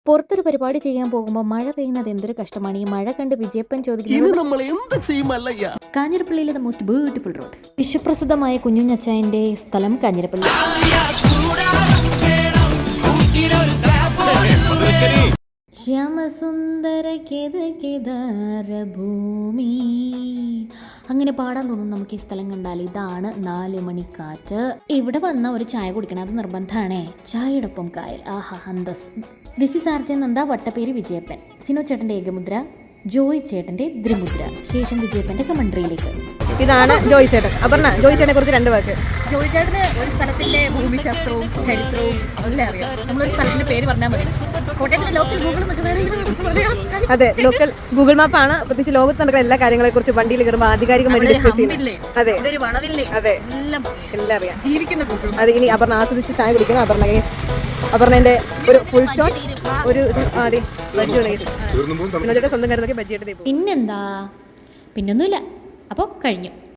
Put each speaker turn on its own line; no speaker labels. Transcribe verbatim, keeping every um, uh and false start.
പുറത്തൊരു പരിപാടി ചെയ്യാൻ പോകുമ്പോൾ മഴ പെയ്യുന്നത് എന്തൊരു കഷ്ടമാണ്. ഈ മഴ കണ്ട് വിജയപ്പൻ ചോദിക്കുന്നത് കാഞ്ഞിരപ്പള്ളിയിലെ ദ മോസ്റ്റ് ബ്യൂട്ടിഫുൾ റോഡ്. വിശ്വപ്രസിദ്ധമായ കുഞ്ഞുഞ്ഞച്ചായന്റെ സ്ഥലം കാഞ്ഞിരപ്പള്ളി. ശ്യാമസുന്ദര ഭൂമി അങ്ങനെ പാടാൻ തോന്നും നമുക്ക് ഈ സ്ഥലം കണ്ടാൽ. ഇതാണ് നാല് മണിക്കാറ്റ്. ഇവിടെ വന്ന ഒരു ചായ കുടിക്കണം, അത് നിർബന്ധമാണേ. ചായയോടൊപ്പം കായൽ, ആഹാ അന്തസ്. This is R J Nanda, വട്ടപ്പേര് വിജയപ്പൻ. സിനോ ചേട്ടന്റെ ഏകമുദ്ര, ജോയ് ചേട്ടന്റെ ദ്രിമുദ്ര, ശേഷം വിജയപ്പന്റെ കമൻട്രിയിലേക്ക്.
ഇതാണ് ജോയ് ചേട്ടൻ. അപർണ, ജോയ് ചേട്ടനെ കുറിച്ച് രണ്ട് വാക്ക്.
ജോയ് ചേട്ടന് ഒരു സ്ഥലത്തിന്റെ ഭൂമിശാസ്ത്രവും ചരിത്രവും എല്ലാം അറിയാം. നമ്മളൊരു സ്ഥലത്തിന്റെ പേര് പറഞ്ഞാൽ മതി. കോട്ടയത്തിന്റെ ലോക്കൽ ഗൂഗിൾ എന്നൊക്കെ വേണമെങ്കിൽ പറയാം.
അതെ, ലോക്കൽ ഗൂഗിൾ മാപ്പാണ്. പ്രത്യേകിച്ച് ലോകത്ത് നടക്കുന്ന എല്ലാ കാര്യങ്ങളെ കുറിച്ച് വണ്ടിയിൽ കയറുമ്പോൾ ആധികാരികമായിട്ട് ഡിസ്കസ് ചെയ്യുന്നത്. അതെ അതെ, എല്ലാം അറിയാം, ജീവിക്കുന്ന ഗൂഗിൾ. അത് ഇനി അപർണ ആസ്വദിച്ച് ചായ കുടിക്കുന്നു. അപർണ ഗൈസ്, അപർണന്റെ ഒരു ഫുൾ ഷോട്ട്, ഒരു സ്വന്തം കാര്യം നോക്കി ബജ്ജിയുടെ.
പിന്നെന്താ, പിന്നൊന്നുമില്ല. അപ്പോൾ കഴിഞ്ഞു.